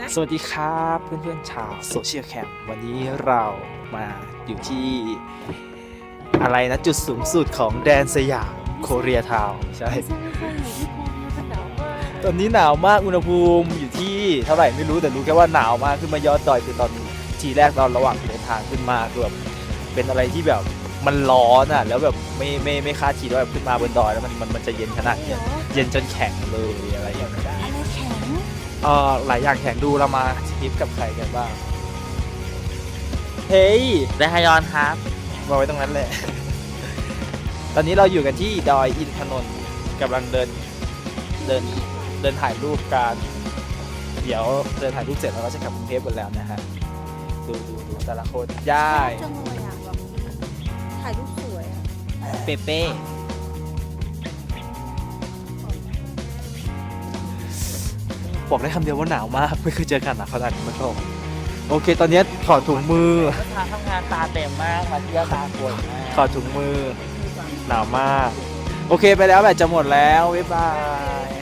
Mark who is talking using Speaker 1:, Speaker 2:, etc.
Speaker 1: สวัสดีครับเพื่อนๆชาวโซเชียลแคมป์วันนี้เรามาอยู่ที่อะไรนะจุดสูงสุดของแดนสยามโคเรียทาวน์ใช่ ตอนนี้หนาวมากอุณหภูมิอยู่ที่เท่าไหร่ไม่รู้แต่รู้แค่ว่าหนาวมากขึ้นมายอดดอยคือตอนทีแรกตอนระหว่างเดินทางขึ้นมาคือแบบเป็นอะไรที่แบบมันร้อนอ่ะแล้วแบบไม่คาดคิดว่าแบบขึ้นมาบนดอยแล้วมันจะเย็นขนาดเนี้ยเย็นจนแข็งเลยอะไรอย่างเงี้ย
Speaker 2: อะไรแข็ง
Speaker 1: หลายอย่างแข่งดูเรามาทริปกับใครกันบ้าง เฮ้ย
Speaker 3: ได้ฮยอนครับ
Speaker 1: มาไว้ตรงนั้นแหละ ตอนนี้เราอยู่กันที่ดอยอินทนนท์กำลังเดินถ่ายรูปกัน เดี๋ยวเดินถ่ายรูปเสร็จแล้วเราจะกลับกรุงเทพกันแล้วนะฮะ ดูแต่ละคนย่าย
Speaker 2: จังเลยอ่ะแบบถ่ายรูปสวยอ่ะ
Speaker 3: เปเป้
Speaker 1: บอกได้คำเดียวว่าหนาวมาก ไม่เคยเจอกันหนาวขนาดนี้มาก่อนโอเค ตอนนี้ถอดถุงมือ
Speaker 3: ก็ทางทำงานตาเต็มมากมาเที่ยวตาปวดมาก
Speaker 1: ถอดถุงมือ หนาวมาก โอเคไปแล้วแบตจะหมดแล้ว บ๊ายบาย